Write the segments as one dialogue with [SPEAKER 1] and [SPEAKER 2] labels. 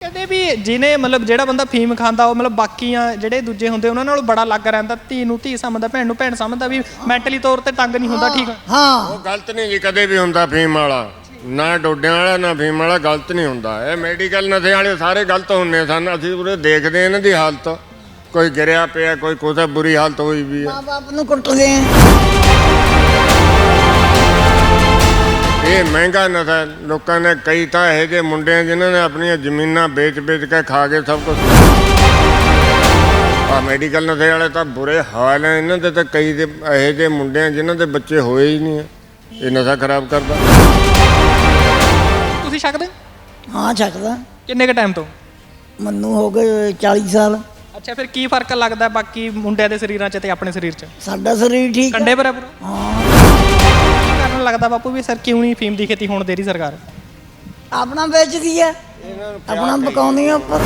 [SPEAKER 1] ਕਹਿੰਦੇ ਵੀ ਜਿਹਨੇ ਮਤਲਬ ਜਿਹੜਾ ਬੰਦਾ ਫੀਮ ਖਾਂਦਾ ਉਹ ਮਤਲਬ ਬਾਕੀਆਂ ਜਿਹੜੇ ਦੂਜੇ ਹੁੰਦੇ ਉਹਨਾਂ ਨਾਲੋਂ ਬੜਾ ਅਲੱਗ ਰਹਿੰਦਾ, ਧੀ ਨੂੰ ਧੀ ਸਮਝਦਾ, ਭੈਣ ਨੂੰ ਭੈਣ ਸਮਝਦਾ, ਵੀ ਮੈਂਟਲੀ ਤੌਰ ਤੇ ਤੰਗ ਨਹੀਂ ਹੁੰਦਾ। ਠੀਕ
[SPEAKER 2] ਹਾਂ
[SPEAKER 3] ਉਹ ਗਲਤ ਨਹੀਂ ਜੀ ਕਦੇ ਵੀ ਹੁੰਦਾ ਫੀਮ ਵਾਲਾ, ਨਾ ਡੋਡਿਆਂ ਵਾਲਾ ਨਾ ਫੀਮ ਵਾਲਾ ਗਲਤ ਨਹੀਂ ਹੁੰਦਾ। ਇਹ ਮੈਡੀਕਲ ਨਸ਼ੇ ਵਾਲੇ ਸਾਰੇ ਗਲਤ ਹੁੰਦੇ ਸਨ। ਅਸੀਂ ਉਰੇ ਦੇਖਦੇ ਇਹਨਾਂ ਦੀ ਹਾਲਤ, ਕੋਈ ਗਿਰਿਆ ਪਿਆ, ਕੋਈ ਕੁਛ ਬੁਰੀ ਹਾਲਤ ਹੋਈ ਵੀ ਹੈ।
[SPEAKER 2] ਮਾਂ ਬਾਪ ਨੂੰ ਕੁੱਟਦੇ ਆ।
[SPEAKER 3] ਇਹ ਮਹਿੰਗਾ ਨਸ਼ਾ ਲੋਕਾਂ ਨੇ, ਕਈ ਤਾਂ ਇਹੋ ਜਿਹੇ ਮੁੰਡੇ ਆ ਜਿਨ੍ਹਾਂ ਨੇ ਆਪਣੀਆਂ ਜ਼ਮੀਨਾਂ ਵੇਚ ਕੇ ਖਾ ਕੇ ਸਭ ਕੁਝ। ਆ ਮੈਡੀਕਲ ਨਸ਼ੇ ਵਾਲੇ ਤਾਂ ਬੁਰੇ ਹਾਲ ਹੈ ਇਹਨਾਂ ਦੇ, ਤਾਂ ਕਈ ਦੇ ਇਹੋ ਜਿਹੇ ਮੁੰਡੇ ਆ ਜਿਨ੍ਹਾਂ ਦੇ ਬੱਚੇ ਹੋਏ ਹੀ ਨਹੀਂ। ਇਹ ਨਸ਼ਾ ਖਰਾਬ ਕਰਦਾ।
[SPEAKER 1] ਤੁਸੀਂ ਛਕਦੇ?
[SPEAKER 2] ਹਾਂ ਛਕਦਾ।
[SPEAKER 1] ਕਿੰਨੇ ਕ ਟਾਈਮ ਤੋਂ?
[SPEAKER 2] ਮੈਨੂੰ ਹੋ ਗਏ 40 ਸਾਲ।
[SPEAKER 1] ਅੱਛਾ, ਫਿਰ ਕੀ ਫਰਕ ਲੱਗਦਾ ਬਾਕੀ ਮੁੰਡਿਆਂ ਦੇ ਸਰੀਰਾਂ 'ਚ ਤੇ ਆਪਣੇ ਸਰੀਰ 'ਚ?
[SPEAKER 2] ਸਾਡਾ ਸਰੀਰ ਠੀਕ
[SPEAKER 1] ਕੰਡੇ ਬਰਾਬਰ।
[SPEAKER 2] ਹਾਂ।
[SPEAKER 1] ਕੀ ਕਾਰਨ ਲੱਗਦਾ ਬਾਪੂ ਵੀ ਸਰ ਕਿਉਂ ਨਹੀਂ ਫੀਮ ਦੀ ਖੇਤੀ ਹੋਣ ਦੇ ਰਹੀ ਸਰਕਾਰ?
[SPEAKER 2] ਆਪਣਾ ਵੇਚਦੀ ਹੈ, ਆਪਣਾ ਪਕਾਉਂਦੀ ਆ ਉੱਪਰ।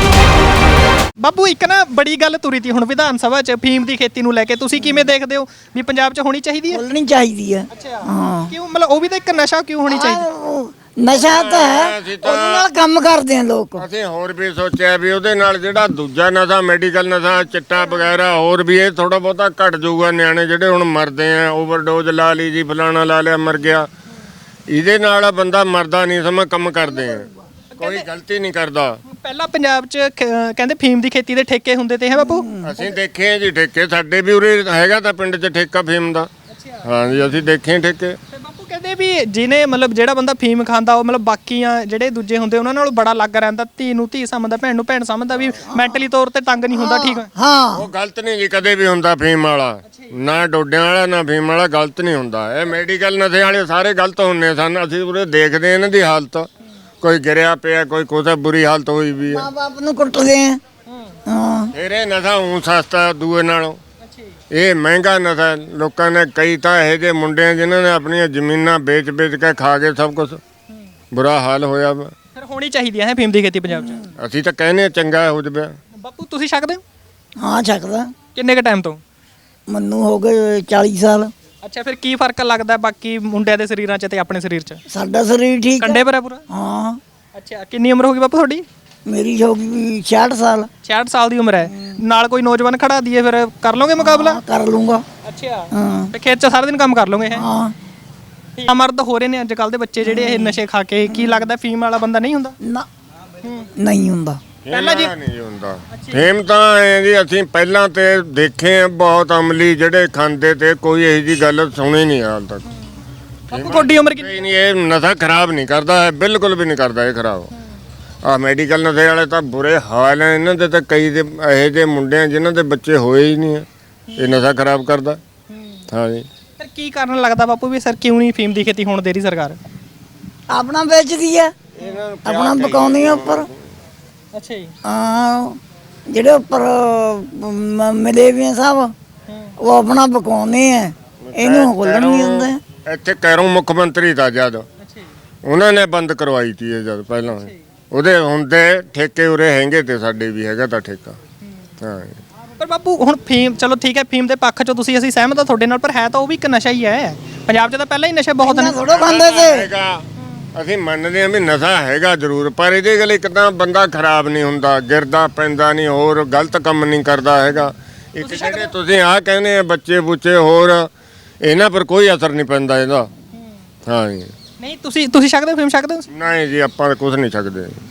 [SPEAKER 1] ਬਾਪੂ ਇੱਕ ਨਾ ਬੜੀ ਗੱਲ ਤੁਰੀ ਤੀ ਹੁਣ ਵਿਧਾਨ ਸਭਾ 'ਚ ਫੀਮ ਦੀ ਖੇਤੀ ਨੂੰ ਲੈ ਕੇ, ਤੁਸੀਂ ਕਿਵੇਂ ਦੇਖਦੇ ਹੋ ਵੀ ਪੰਜਾਬ 'ਚ ਹੋਣੀ ਚਾਹੀਦੀ ਹੈ?
[SPEAKER 2] ਖੋਲਣੀ ਚਾਹੀਦੀ ਹੈ।
[SPEAKER 1] ਅੱਛਾ,
[SPEAKER 2] ਹਾਂ।
[SPEAKER 1] ਕਿਉਂ ਮਤਲਬ ਉਹ ਵੀ ਤਾਂ ਇੱਕ ਨਸ਼ਾ ਕਿਉਂ ਹੋਣੀ ਚਾਹੀਦੀ?
[SPEAKER 2] ਨਸ਼ਾ ਤਾਂ ਹੈ, ਉਹਦੇ ਨਾਲ ਕੰਮ ਕਰਦੇ ਆ ਲੋਕ।
[SPEAKER 3] ਅਸੀਂ ਹੋਰ ਵੀ ਸੋਚਿਆ ਵੀ ਉਹਦੇ ਨਾਲ ਜਿਹੜਾ ਦੂਜਾ ਨਸ਼ਾ ਮੈਡੀਕਲ ਨਸ਼ਾ ਚਿੱਟਾ ਵਗੈਰਾ ਹੋਰ ਵੀ ਇਹ ਥੋੜਾ ਬਹੁਤਾ ਘਟ ਜਾਊਗਾ। ਨਿਆਣੇ ਜਿਹੜੇ ਹੁਣ ਮਰਦੇ ਆ, ਓਵਰਡੋਜ਼ ਲਾ ਲਈ ਜੀ, ਫਲਾਣਾ ਲਾ ਲਿਆ ਮਰ ਗਿਆ, ਇਹਦੇ ਨਾਲ ਬੰਦਾ ਮਰਦਾ ਨਹੀਂ। ਸਮਾਂ ਕੰਮ ਕਰਦੇ ਆ, ਕੋਈ ਗਲਤੀ ਨਹੀਂ ਕਰਦਾ।
[SPEAKER 1] ਪਹਿਲਾਂ ਪੰਜਾਬ 'ਚ ਕਹਿੰਦੇ ਫੀਮ ਦੀ ਖੇਤੀ ਦੇ ਠੇਕੇ ਹੁੰਦੇ ਤੇ ਹੈ ਬਾਪੂ?
[SPEAKER 3] ਅਸੀਂ ਦੇਖੇ ਆ ਜੀ ਠੇਕੇ, ਸਾਡੇ ਵੀ ਉਰੇ ਹੈਗਾ ਤਾਂ ਪਿੰਡ 'ਚ ਠੇਕਾ ਫੀਮ ਦਾ। ਹਾਂ ਜੀ, ਅਸੀਂ ਦੇਖੇ ਠੇਕੇ।
[SPEAKER 1] ਬਾਪੂ ਕਹਿੰਦੇ ਵੀ ਜਿਹਨੇ ਮਤਲਬ ਜਿਹੜਾ ਬੰਦਾ ਫੀਮ ਖਾਂਦਾ ਉਹ ਮਤਲਬ ਬਾਕੀਆਂ ਜਿਹੜੇ ਦੂਜੇ ਹੁੰਦੇ ਉਹਨਾਂ ਨਾਲੋਂ ਬੜਾ ਅਲੱਗ ਰਹਿੰਦਾ, ਧੀ ਨੂੰ ਧੀ ਸਮਝਦਾ, ਭੈਣ ਨੂੰ ਭੈਣ ਸਮਝਦਾ, ਵੀ ਮੈਂਟਲੀ ਤੌਰ ਤੇ ਤੰਗ ਨਹੀਂ ਹੁੰਦਾ। ਠੀਕ
[SPEAKER 2] ਹਾਂ।
[SPEAKER 3] ਉਹ ਗਲਤ ਨਹੀਂ ਜੀ ਕਦੇ ਵੀ ਹੁੰਦਾ ਫੀਮ ਵਾਲਾ, ਨਾ ਡੋਡਿਆਂ ਵਾਲਾ ਨਾ ਫੀਮ ਵਾਲਾ ਗਲਤ ਨਹੀਂ ਹੁੰਦਾ। ਇਹ ਮੈਡੀਕਲ ਨਸ਼ੇ ਵਾਲੇ ਸਾਰੇ ਗਲਤ ਹੁੰਦੇ ਸਨ। ਅਸੀਂ ਉਰੇ ਦੇਖਦੇ ਇਹਨਾਂ ਦੀ ਹਾਲਤ, ਕੋਈ ਗਿਰਿਆ ਪਿਆ, ਕੋਈ ਕੁਛ ਬੁਰੀ ਹਾਲਤ ਹੋਈ ਵੀ ਹੈ।
[SPEAKER 2] ਮਾਂ ਬਾਪ ਨੂੰ ਕੁੱਟਦੇ ਆ। ਹਾਂ।
[SPEAKER 3] ਫਿਰ ਇਹ ਨਸ਼ਾ ਊਂ ਸਸਤਾ ਦੂਏ ਨਾਲੋਂ। ਇਹ ਮਹਿੰਗਾ ਨਸ਼ਾ ਲੋਕਾਂ ਨੇ, ਕਈ ਤਾਂ ਇਹੋ ਜਿਹੇ ਮੁੰਡੇ ਆ ਜਿਨ੍ਹਾਂ ਨੇ ਆਪਣੀਆਂ ਜ਼ਮੀਨਾਂ ਵੇਚ ਕੇ ਖਾ ਕੇ ਸਭ ਕੁਝ ਬੁਰਾ ਹਾਲ ਹੋਇਆ ਵਾ।
[SPEAKER 1] ਫਿਰ ਹੋਣੀ ਚਾਹੀਦੀ ਹੈ ਫੀਮ ਦੀ ਖੇਤੀ ਪੰਜਾਬ 'ਚ?
[SPEAKER 3] ਅਸੀਂ ਤਾਂ ਕਹਿੰਦੇ ਚੰਗਾ ਹੋ ਜਾਵੇ।
[SPEAKER 1] ਬਾਪੂ ਤੁਸੀਂ ਛਕਦੇ ਹੋ?
[SPEAKER 2] ਹਾਂ ਛਕਦਾ।
[SPEAKER 1] ਕਿੰਨੇ ਕ ਟਾਈਮ ਤੋਂ?
[SPEAKER 2] ਮੈਨੂੰ ਹੋ ਗਏ 40 ਸਾਲ।
[SPEAKER 1] ਅੱਛਾ, ਫਿਰ ਕੀ ਫਰਕ ਲੱਗਦਾ ਬਾਕੀ ਮੁੰਡਿਆਂ ਦੇ ਸਰੀਰਾਂ 'ਚ ਤੇ ਆਪਣੇ ਸਰੀਰ 'ਚ?
[SPEAKER 2] ਸਾਡਾ ਸਰੀਰ ਠੀਕ
[SPEAKER 1] ਕੰਡੇ ਬਰਾਬਰ।
[SPEAKER 2] ਹਾਂ।
[SPEAKER 1] ਅੱਛਾ, ਕਿੰਨੀ ਉਮਰ ਹੋ ਗਈ ਬਾਪੂ ਤੁਹਾਡੀ?
[SPEAKER 2] ਮੇਰੀ ਹੋ ਗਈ 66 ਸਾਲ।
[SPEAKER 1] 66 ਸਾਲ ਦੀ ਉਮਰ ਹੈ, ਨਾਲ ਕੋਈ ਨੌਜਵਾਨ ਖੜਾ ਦੀਏ ਫਿਰ ਕਰ ਲਓਗੇ ਮੁਕਾਬਲਾ?
[SPEAKER 2] ਕਰ ਲੂੰਗਾ।
[SPEAKER 1] ਅੱਛਾ,
[SPEAKER 2] ਹਾਂ।
[SPEAKER 1] ਤੇ ਖੇਤ 'ਚ ਸਾਰਾ ਦਿਨ ਕੰਮ ਕਰ ਲਓਗੇ? ਹੈ
[SPEAKER 2] ਹਾਂ।
[SPEAKER 1] ਮਰਦ ਹੋ ਰਹੇ ਨੇ ਅੱਜ ਕੱਲ ਦੇ ਬੱਚੇ ਜਿਹੜੇ ਇਹ ਨਸ਼ੇ ਖਾ ਕੇ, ਕੀ ਲੱਗਦਾ ਫੀਮ ਵਾਲਾ ਬੰਦਾ ਨਹੀਂ ਹੁੰਦਾ?
[SPEAKER 2] ਨਾ ਨਹੀਂ ਹੁੰਦਾ।
[SPEAKER 3] ਪਹਿਲਾਂ ਜੀ ਨਹੀਂ ਹੁੰਦਾ ਫੇਮ ਤਾਂ ਐ ਜੀ। ਅਸੀਂ ਪਹਿਲਾਂ ਤੇ ਦੇਖੇ ਆ ਬਹੁਤ ਅਮਲੀ ਜਿਹੜੇ ਖਾਂਦੇ ਤੇ, ਕੋਈ ਇਹੋ ਜੀ ਗੱਲ ਸੁਣੀ ਨਹੀਂ ਹਾਲ ਤੱਕ।
[SPEAKER 1] ਬਾਪੂ ਤੁਹਾਡੀ ਉਮਰ ਕਿੰਨੀ?
[SPEAKER 3] ਨਹੀਂ, ਇਹ ਨਸ਼ਾ ਖਰਾਬ ਨਹੀਂ ਕਰਦਾ ਹੈ, ਬਿਲਕੁਲ ਵੀ ਨਹੀਂ ਕਰਦਾ ਇਹ ਖਰਾਬ। ਆ ਮੈਡੀਕਲ ਨਸ਼ੇ ਵਾਲੇ ਤਾਂ ਬੁਰੇ ਹਾਲ ਹੈ ਇਹਨਾਂ ਦੇ, ਤਾਂ ਕਈ ਦੇ ਇਹੋ ਜਿਹੇ ਮੁੰਡੇ ਆ ਜਿਨ੍ਹਾਂ ਦੇ ਬੱਚੇ ਹੋਏ ਹੀ ਨਹੀਂ। ਇਹ ਨਸ਼ਾ ਖਰਾਬ ਕਰਦਾ। ਹਾਂ ਜੀ।
[SPEAKER 1] ਫਿਰ ਕੀ ਕਾਰਨ ਲੱਗਦਾ ਬਾਪੂ ਵੀ ਸਰ ਕਿਉਂ ਨਹੀਂ ਫੀਮ ਦੀ ਖੇਤੀ ਹੋਣ ਦੇ ਰਹੀ ਸਰਕਾਰ?
[SPEAKER 2] ਆਪਣਾ ਵੇਚਦੀ ਹੈ, ਆਪਣਾ ਪਕਾਉਂਦੀ ਆ ਉੱਪਰ।
[SPEAKER 1] ਅੱਛਾ ਜੀ।
[SPEAKER 2] ਹਾਂ। ਜਿਹੜੇ ਉੱਪਰ ਮਿਲੇ ਵੀ ਆ ਸਭ, ਉਹ ਆਪਣਾ ਪਕਾਉਂਦੇ ਆ, ਇਹਨੂੰ ਖੋਲਣ ਨਹੀਂ ਦਿੰਦੇ।
[SPEAKER 3] ਇੱਥੇ ਕੈਰੋਂ ਮੁੱਖ ਮੰਤਰੀ ਦਾ ਜਦ ਉਹਨਾਂ ਨੇ ਬੰਦ ਕਰਵਾਈ ਤੀ ਇਹ ਜਦ ਪਹਿਲਾਂ, ਉਹਦੇ ਹੁੰਦੇ ਠੇਕੇ ਉਰੇ ਹੈਗੇ ਤੇ ਸਾਡੇ ਵੀ ਹੈਗਾ ਤਾਂ ਠੇਕਾ। ਹਾਂ।
[SPEAKER 1] ਪਰ ਬਾਪੂ ਹੁਣ ਫੀਮ, ਚਲੋ ਠੀਕ ਹੈ, ਫੀਮ ਦੇ ਪੱਖ 'ਚੋਂ ਅਸੀਂ ਸਹਿਮਤ ਹਾਂ ਤੁਹਾਡੇ ਨਾਲ, ਪਰ ਹੈ ਤਾਂ ਉਹ ਵੀ ਇੱਕ ਨਸ਼ਾ ਹੀ ਹੈ। ਪੰਜਾਬ 'ਚ ਤਾਂ ਪਹਿਲਾਂ ਹੀ ਨਸ਼ੇ ਬਹੁਤ ਨੇ।
[SPEAKER 2] ਥੋੜਾ ਖਾਂਦੇ ਤੇ
[SPEAKER 3] ਅਸੀਂ ਮੰਨਦੇ ਹਾਂ ਵੀ ਨਸ਼ਾ ਹੈਗਾ ਜ਼ਰੂਰ, ਪਰ ਇਹਦੇ ਗੱਲ ਇੱਕ ਤਾਂ ਬੰਦਾ ਖਰਾਬ ਨਹੀਂ ਹੁੰਦਾ, ਗਿਰਦਾ ਪੈਂਦਾ ਨਹੀਂ, ਹੋਰ ਗਲਤ ਕੰਮ ਨਹੀਂ ਕਰਦਾ ਹੈਗਾ। ਇੱਕ ਜਿਹੜੇ ਤੁਸੀਂ ਆਹ ਕਹਿੰਦੇ ਆ ਬੱਚੇ ਬੁੱਚੇ ਹੋਰ, ਇਹਨਾਂ ਪਰ ਕੋਈ ਅਸਰ ਨਹੀਂ ਪੈਂਦਾ ਇਹਦਾ। ਹਾਂ ਜੀ।
[SPEAKER 1] ਨਹੀਂ, ਤੁਸੀਂ ਛਕਦੇ ਹੋ ਫੀਮ? ਛਕਦੇ ਹੋ?
[SPEAKER 3] ਨਹੀਂ ਜੀ, ਆਪਾਂ ਕੁਝ ਨਹੀਂ ਸਕਦੇ।